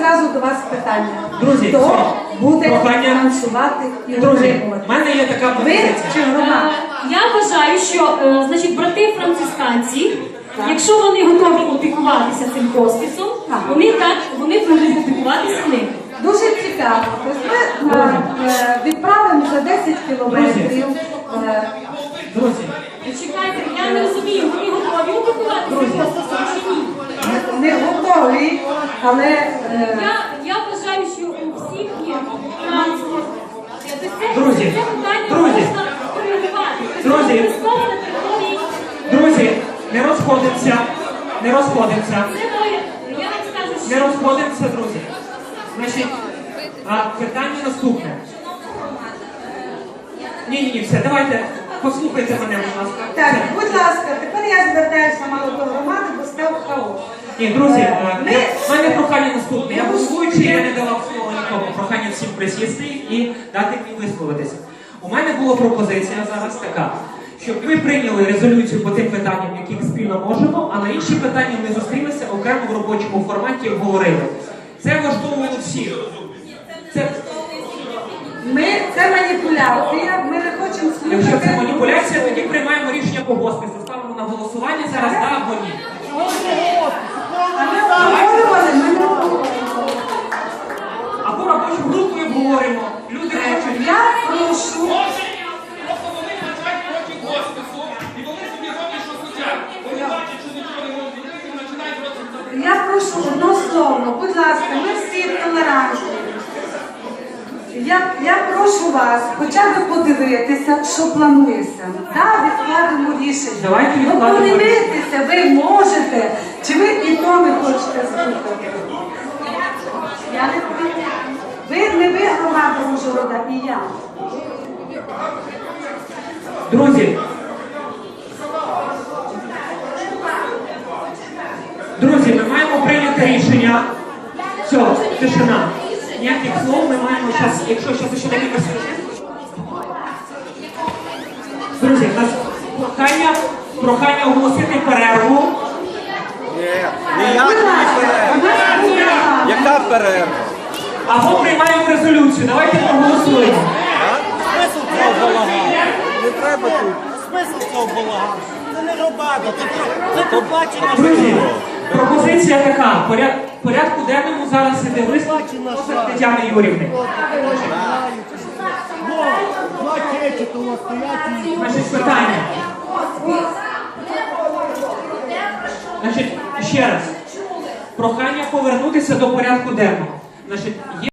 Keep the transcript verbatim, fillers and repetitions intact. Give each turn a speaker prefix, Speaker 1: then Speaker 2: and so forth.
Speaker 1: зразу до вас питання.
Speaker 2: Друзі,
Speaker 1: хто буде
Speaker 2: прохання...
Speaker 1: фінансувати і
Speaker 2: Друзі,
Speaker 1: отримувати?
Speaker 2: в мене є така
Speaker 1: Ви
Speaker 2: пропозиція.
Speaker 1: чи громада?
Speaker 3: Я вважаю, що е, значить, брати францисканці, якщо вони готові опікуватися цим хосписом, вони так вони будуть опікуватися ним.
Speaker 1: Дуже цікаво. Тобто ми е, е, відправимо за десять кілометрів. Е,
Speaker 2: Друзі,
Speaker 3: Чекайте, я не розумію, вони готові опікуватися хосписом чи ні?
Speaker 1: не готові, але е,
Speaker 3: Я, я вважаю, що у всіх є транспорт. Це, це,
Speaker 2: Друзі,
Speaker 3: це питання
Speaker 2: друзі,
Speaker 3: можна коригувати.
Speaker 2: друзі,
Speaker 3: Обов'язково на території.
Speaker 2: друзі, не розходимося, не розходимося,
Speaker 3: Це моє, я вам скажу,
Speaker 2: не
Speaker 3: що
Speaker 2: розходимося, друзі. Значить, а питання наступне. Ні-ні-ні, все, давайте, послухайте мене, будь ласка.
Speaker 1: так,
Speaker 2: Все.
Speaker 1: будь ласка, тепер я звертаюся мало до громади, бо став хаос.
Speaker 2: Ні, друзі, е,
Speaker 1: Ми-
Speaker 2: я- в мене прохання наступне. Я голосуючи, я не давав слово нікому. Прохання всім присісти і дати мені висловитися. У мене була пропозиція зараз така, щоб ми прийняли резолюцію по тим питанням, яких спільно можемо, а на інші питання ми зустрілися окремо в робочому форматі і обговорили. Це влаштовувало всіх. Це,
Speaker 1: Ми, це маніпуляція, ми не хочемо
Speaker 2: якщо це
Speaker 1: слухати.
Speaker 2: маніпуляція, тоді приймаємо рішення по госпісу. Ставимо на голосування зараз, так або ні.
Speaker 1: А ми обговорювали, ми не обговорювали.
Speaker 2: Або робочу групу і обговоримо. Люди хочуть.
Speaker 1: Я прошу,
Speaker 4: Просто вони бажають хочуть госпісу, і вони собі роблять, що хочуть. Вони бачать, що нічого не можуть зробити, і починають робити.
Speaker 1: я прошу однословно, будь ласка, ми всі толерантні. Я, я прошу вас хоча б подивитися, що планується. Так, відкладемо рішення.
Speaker 2: Давайте
Speaker 1: Ну,
Speaker 2: відкладемо.
Speaker 1: подивитися, ви можете, чи ви і то не хочете слухати? Я не проти. Ви не ви громада Ужгорода, і я.
Speaker 2: Друзі, друзі, ми маємо прийняти рішення. Все, тишина. Ніяких слов ми маємо зараз, якщо зараз ще декілька секунд. Друзі, у нас прохання, прохання оголосити перерву.
Speaker 5: Ні, ніякої перерви. Яка перерва?
Speaker 2: Або приймаємо резолюцію. Давайте проголосуємо.
Speaker 6: Смисл цього балагану? Не треба тут. Смисл цього балагану? Це не громада, це, про- це побачення
Speaker 2: Друзі,
Speaker 6: життя.
Speaker 2: пропозиція така. Поряд, порядку денному зараз іде виступ Тетяни Юрівни.
Speaker 6: Ну, два чечі того стоять і...
Speaker 2: Значить, питання. Значить, ще раз. Прохання повернутися до порядку денного. Значить,